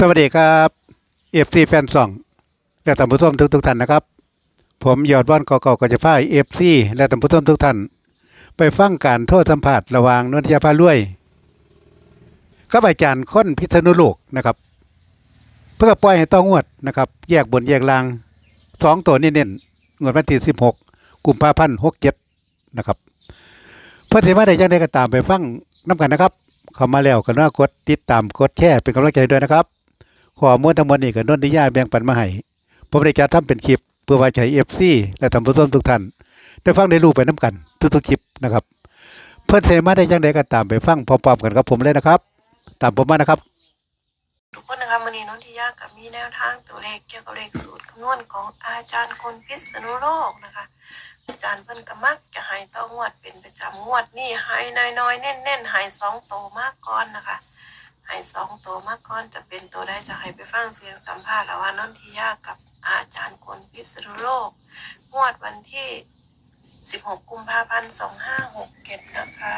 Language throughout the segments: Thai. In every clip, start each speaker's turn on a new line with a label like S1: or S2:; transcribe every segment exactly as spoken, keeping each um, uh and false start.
S1: สวัสดีครับเอฟซีแฟนซองและท่านผู้ชมทุกทุกท่านนะครับผมยอดว่านกอกก็จะพาเอฟซีและท่านผู้ชมทุกท่านไปฟังการโทษสัมผัสระหว่างนนทยาพารวยกับอาจารย์ค้นพิษณุโลกนะครับเพื่อปล่อยให้ต้องงวดนะครับแยกบนแยกล่างสองตัวเน้นๆงวดวันที่สิบหกกุมภาพันธ์หกเจ็ดนะครับเพื่อที่มาได้ยังได้ก็ตามไปฟังน้ำกันนะครับเข้ามาแล้วก็น่ากดติดตามกดแชร์เป็นกำลังใจด้วยนะครับข้อมูลทั้งหมดนี้ก็นนทิยาแบ่งปันมาให้ผมได้จัดทำเป็นคลิปเพื่อไว้ใช้ เอฟ ซี และท่านผู้ชมทุกท่านได้ฟังได้รู้ไปน้ำกันทุกๆคลิปนะครับเพื่อนเสมาได้ยังไดก็ตามไปฟังพร้อมๆกันกับผมเลยนะครับตามผมมานะครับ
S2: ทุกคนนะคะวันนี้น้องทิยากับมีแนวทางตัวเลขเกี่ยวกับเลขสูตรคำนวณของอาจารย์คนพิษณุโลกนะคะอาจารย์เพิ่นก็มักจะให้ต้องงวดเป็นประจำงวดนี่ให้น้อยๆเน้นๆให้สองโตมากก่อนนะคะให้สองโตมากก่อนจะเป็นตัวได้จะให้ไปฟังเสียงสัมภาษณ์ระหว่างน้องทิยากับอาจารย์คนพิษณุโลกงวดวันที่สิบหกกุมภาพันธ์สองห้าหกเจ็ดนะคะ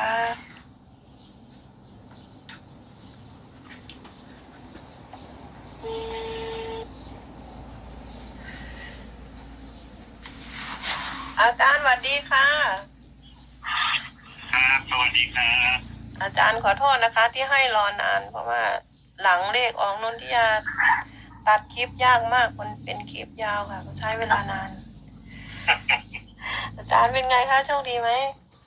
S2: อาจารย์สวัสดีค่ะ
S3: ครับสวัสดีครับ
S2: อาจารย์ขอโทษนะคะที่ให้รอนานเพราะว่าหลังเลขออกนนทิยาตัดคลิปยากมากมันเป็นคลิปยาวค่ะใช้เวลานาน อาจารย์เป็นไงคะโชคดีไหม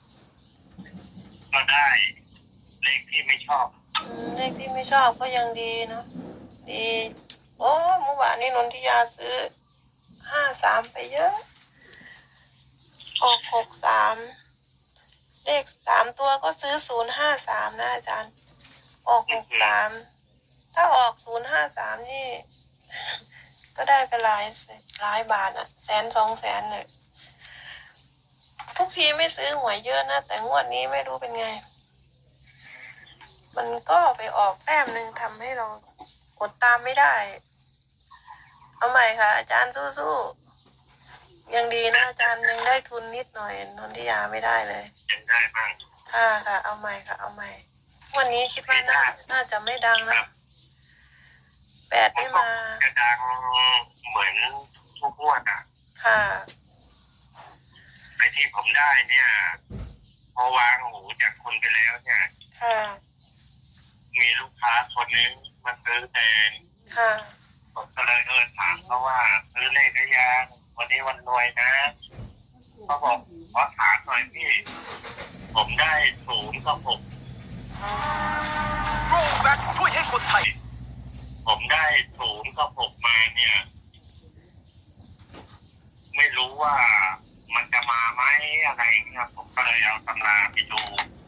S3: ก็ได้เลขที่ไม่ชอบ
S2: อืมเลขที่ไม่ชอบก็ยังดีเนาะดีโอ้เมื่อวานนี้นนทิยาซื้อห้าสามไปเยอะออกหกสามเลขสามตัวก็ซื้อศูนย์ห้าสามนะอาจารย์ออกหกสามถ้าออกศูนย์ห้าสามนี่ ก็ได้ไปหลายหลายบาทอะแสนสองแสนเลยทุกทีไม่ซื้อหวยเยอะนะแต่งวดนี้ไม่รู้เป็นไงมันก็ไปออกแต้มหนึ่งทำให้เรากดตามไม่ได้เอาใหม่ค่ะอาจารย์สู้ๆยังดีนะอาจารย์ยังได้ทุนนิดหน่อยนนทิยาไม่ได้เลย
S3: ยังได้บ้าง
S2: ค่ะค่ะเอาใหม่ค่ะเอาใหม่วันนี้คิดว่าน่าน่าจะไม่ดังนะแปดไม่มา
S3: จะดังเหมือนทุกงวดอ่ะ
S2: ค่ะ
S3: ไอที่ผมได้เนี่ยพอวางหูจากคุณไปแล้วเนี่ย
S2: ค่ะ
S3: มีลูกค้าคนนึงมาซื้อแทน
S2: ค่ะ
S3: ผมก็เลยเออถามเขาว่าซื้อเลขหรือยังวันนี้วันรวยนะเขาบอกขอถามหน่อยพี่ผมได้ศูนย์กับหก
S4: โรแบ็คช่วยให้คนไทย
S3: ผมได้ศูนย์กับหกมาเนี่ยไม่รู้ว่ามันจะมาไหมอะไรครับผมก็เลยเอาตำราไปดู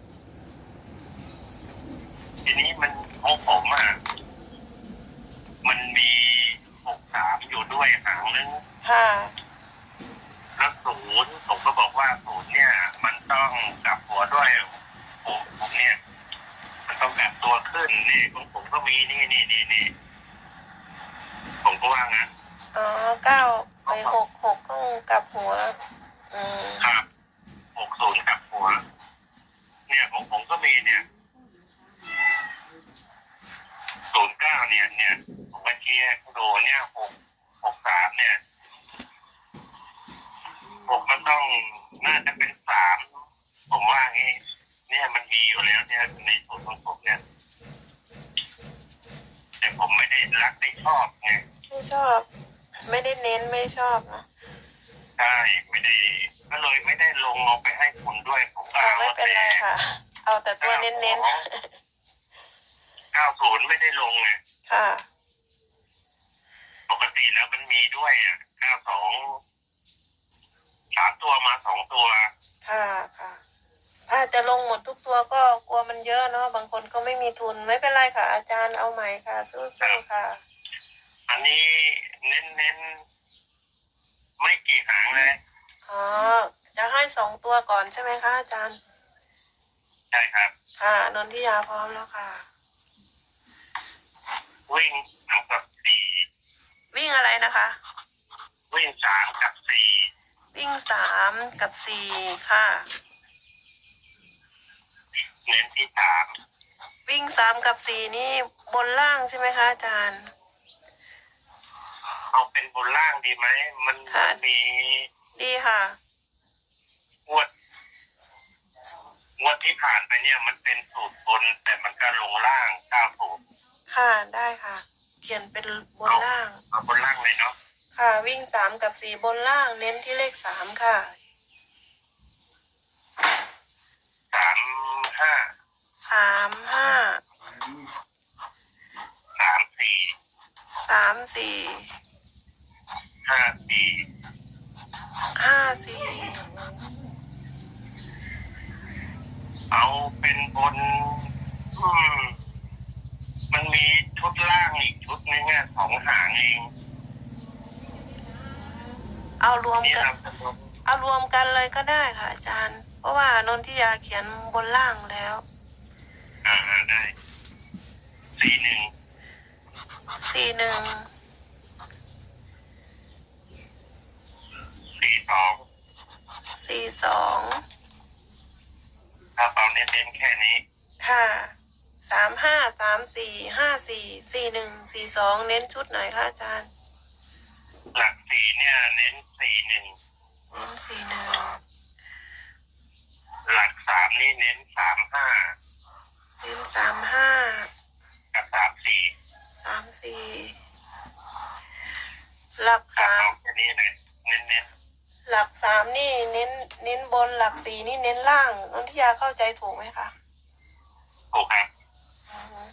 S3: ทีนี้มันของผมอ่ะมันมีหกสามอยู่ด้วยหางนึง
S2: ค่ะ
S3: แล้วศูนย์ผมก็บอกว่าศูนย์เนี่ยมันต้องกลับหัวด้วยผมผมเนี่ยมันต้องกลับตัวขึ้นนี่ของผมก็มีนี่นี่นี่นี่ผมก็ว่างั้น
S2: อ๋อเก้าไปหกหกต้องกลับหัวอืม
S3: ครับหกศูนย์กลับหัวเนี่ยของผมก็มีเนี่ยศูนย์เก้าเนี่ยเนี่ยผมก็เชียร์ดูเนี่ยหกหกสามเนี่ยผมมันต้องน่าจะเป็นสามผมว่างี้เนี่ยมันมีอยู่แล้วเนี่ยในสูตรของผมเนี่ยแต่ผมไม่ได้รักไม่ชอบไง
S2: ไม่ชอบไม่ได้เน้นไม่ชอบนะ
S3: ใช่ไม่ได้ก็เลยไม่ได้ลงลงไปให้คุณด้วยผมก็เอา
S2: ไม่เป็นไรค่ะเอาแต่ตัวเน้นเน้น
S3: เก้าศูนย์ไม่ได้ลงไง
S2: ค่ะ
S3: ปกติแล้วมันมีด้วยอ่ะเก้าสองสามตัวมาสองตัว
S2: ค่ะค่ะถ้าจะลงหมดทุกตัวก็กลัวมันเยอะเนาะบางคนก็ไม่มีทุนไม่เป็นไรค่ะอาจารย์เอาใหม่ค่ะสู้ๆค่ะ
S3: อันนี้เน้นเน้นไม่กี่หางเลย
S2: อ๋อจะให้สองตัวก่อนใช่ไหมคะอาจารย์
S3: ใช่ครับ
S2: ค่ะนนทิยาพร้อมแล้วค่ะ
S3: วิ่งสามกับสี่
S2: วิ่งอะไรนะคะ
S3: วิ่งสามกับสี่
S2: วิ่งสามกับสี่ค่ะ
S3: เน้นที่สาม
S2: วิ่งสามกับสี่นี่บนล่างใช่ไหมคะอาจารย์
S3: เอาเป็นบนล่างดีไหมมัน
S2: ค่ะ
S3: มันมี
S2: ดีค่ะ
S3: งวดงวดที่ผ่านไปเนี่ย มันเป็นสูตรบน แต่มันก็ลงล่างเก้าสูตร
S2: ค่ะได้ค่ะ เขียนเป็นบนล่าง
S3: เอาบนล่างเลยเนาะ
S2: ค่ะ วิ่งสามกับสี่บนล่าง เน้นที่เลขสามค่ะ
S3: สามห้า
S2: สามห้า
S3: สามสี่
S2: สามสี่
S3: ห้าสี่
S2: ห้าสี่
S3: เอาเป็นบนอืมมันมีชุดล่างอีกชุดนึงอ่ะสองหางเอง
S2: เอารวม
S3: นี่
S2: กัน
S3: เราจะลง
S2: เอารวมกันเลยก็ได้ค่ะอาจารย์ เพราะว่านนทิยาเขียนบนล่างแล้ว
S3: อ่าได้สี่หนึ่ง
S2: สี่หนึ่ง
S3: สี่สอง
S2: สี่สอง
S3: ถ้าเอาเน้นๆแค่นี้
S2: ค่ะ สามห้า สามสี่ ห้าสี่ สี่หนึ่ง สี่สอง เน้นชุดไหนคะอาจารย์
S3: หลักสี่เนี่ย เน้นสี่หนึ่ง
S2: เน้นสี่หนึ่ง
S3: หลักสามนี่เน้นสามห้า
S2: เน้นสามห้า
S3: กับสามสี่
S2: สามสี่ หลัก
S3: ถ้า
S2: สาม
S3: เอาแค่นี้เลยเน้น
S2: หลักสามนี่เน้น เน้นบน หลักสี่นี่เน้นล่างนนทิยาเข้าใจถูกไหมคะ
S3: ๆถูกครับ
S2: อือฮึ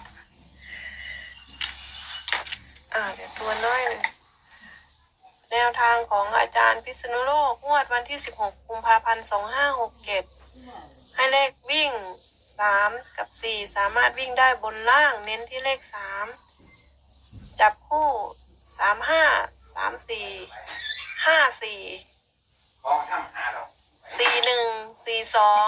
S2: อ่าเดี๋ยวตัวน้อยหนึ่งแนวทางของอาจารย์พิษณุโลกงวดวันที่สิบหกกุมภาพันธ์สองห้าหกเจ็ดให้เลขวิ่งสามกับสี่สามารถวิ่งได้บนล่าง เน้นที่เลขสามจับคู่สามห้าสามสี่ห้าสี่สี่หนึ่งสี่สอง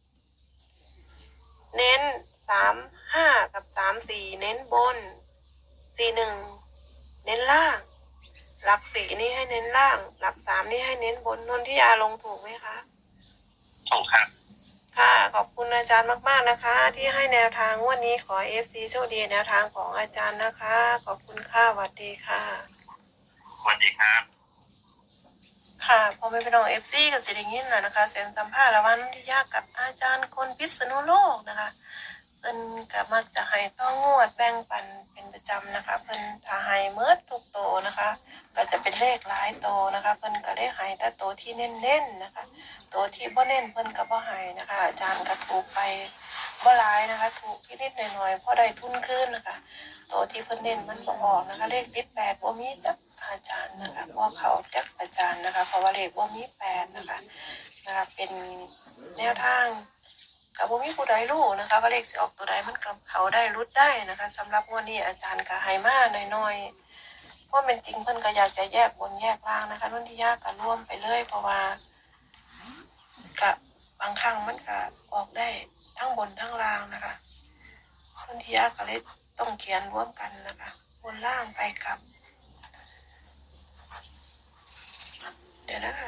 S2: เน้นสามห้ากับสามสี่เน้นบนสี่หนึ่งเน้นล่าง หลักสี่นี่ให้เน้นล่าง หลักสามนี่ให้เน้นบนนนทิยาลงถูกไหมคะ
S3: ถูกครับ
S2: ค่ะ ขอบคุณอาจารย์มากๆนะคะ ที่ให้แนวทางงวันนี้ขอเอฟซีโชคดีแนวทางของอาจารย์นะคะ ขอบคุณค่ะสวัสดีค่ะ
S3: สวัสดีครับ
S2: ค่ะพอไม่เป็นของเอฟซีกับเสียงยินนะนะคะเสียงสัมภาษณ์ระหว่างนนทิยากับอาจารย์คนพิษณุโลกนะคะเพิ่นก็มักจะให้ต้องงวดแบ่งปันเป็นประจำนะคะเพิ่นถ้าให้เมื่อทุกโตนะคะ ก็จะเป็นเลขหลายโตนะคะเพิ่นก็ได้ให้แต่โตที่เน้นๆนะคะโตที่บ่เน้นเพิ่นก็บ่ให้นะคะ อาจารย์ก็ถูกไปบ่หลายนะคะ ถูกนิดๆหน่อยๆพอได้ทุนคืนนะคะโตที่เพิ่นเน้นมันบ่ออกนะคะ เลขติดแปดบ่มีจักอาจารย์นะคะบ่เขาจักอาจารย์นะคะ เพราะว่าเลขบ่มีแปดนะคะนะคะเป็นแนวทางกับบ่มีผู้ใดรู้นะคะว่าเลขสิออกตัวใดมันกับเขาได้รุดได้นะคะสำหรับงวดนี้อาจารย์ก็ให้มาน้อยๆเพราะเป็นจริงเพิ่นก็อยากจะแยกบนแยกล่างนะคะนนทิยาก็ร่วมไปเลยเพราะว่ากับบางครั้งมันก็ออกได้ทั้งบนทั้งล่างนะคะนนทิยาก็เลยต้องเขียนร่วมกันนะคะบนล่างไปกับเดี๋ยวนะคะ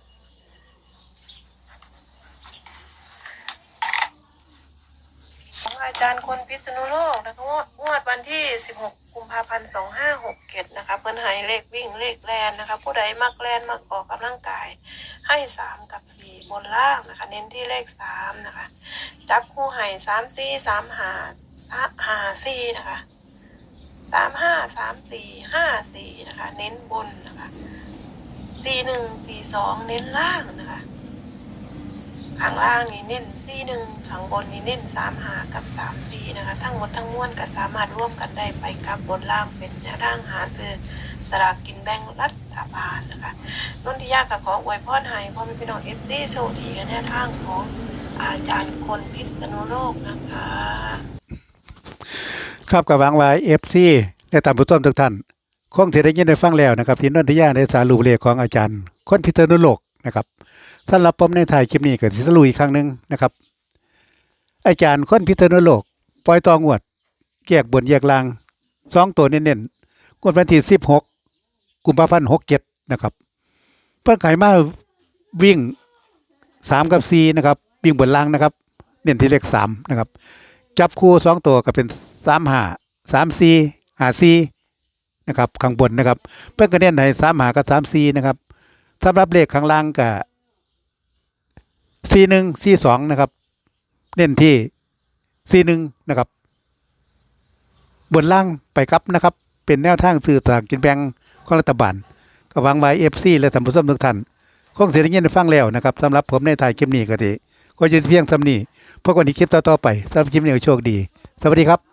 S2: ของอาจารย์คนพิษณุโลกนะคะงวดวันที่สิบหกกุมภาพันธ์สองห้าหกเจ็ดนะคะเพิ่นให้เลขวิ่งเลขแลนนะคะ ผู้ใดมักแลนมักออกกำลังกายให้สามกับสี่บนล่างนะคะ เน้นที่เลขสามนะคะจับคู่ให้สามสี่สามห้าห้าสี่นะคะสามห้าสามสี่ห้าสี่นะคะ เน้นบนนะคะสี่หนึ่งสี่สองเน้นล่างนะคะข้างล่างนี่เน้นสี่หนึ่งข้างบนนี่เน้นสามหากับสามสี่นะคะทั้งหมดทั้งมวลก็สามารถร่วมกันได้ไปกับบนล่างเป็นแนวทางหาซื้อสลากกินแบ่งรัฐบาลนะคะนนทิยากับขออวยพรให้พ่อแม่พี่น้องเอฟซีโชคดีกันแนวทางของอาจารย์คนพิษณุโลกนะคะ
S1: ครับกับหวังไว้ เอฟ ซี และตามผู้ชมทุกท่านคงสิได้ยินได้ฟังแล้วนะครับที่นนทิยาได้สารุปเลขของอาจารย์คนพิษณุโลกนะครับสำหรับผมในถ่ายคลิปนี้ก็สิสรุปอีกครั้งหนึงนะครับอาจารย์คนพิษณุโลกปล่อยตองวดแยกบนแยกล่างสองตัวเน้นๆงวดวันที่สิบหกกุมภาพันธ์หกเจ็ดนะครับเพิ่นขายมาวิ่งสามกับสี่นะครับวิ่งบนล่างนะครับเน้นที่เลขสามนะครับจับคู่สองตัวก็เป็นสามห้าสามสี่ห้าสี่นะครับข้างบนนะครับเพิ่นก็เน้นให้สามหากับสามสี่นะครับสำหรับเลขข้างล่างก็สี่หนึ่งสี่สองนะครับเน้นที่สี่หนึ่งนะครับบนล่างไปครับนะครับเป็นแนวทางสื่อสลารกินแบ่งของรัฐบาลก็หวังไว้ เอฟ ซี และท่านผู้ชมทุกท่านคงสิได้ยินได้ฟังแล้วนะครับสำหรับผมในถ่ายคลิปนี้ก็ดีก็จะเพียงเท่านี้พบกันในคลิปต่อๆไปสำหรับคลิปนี้ก็โชคดีสวัสดีครับ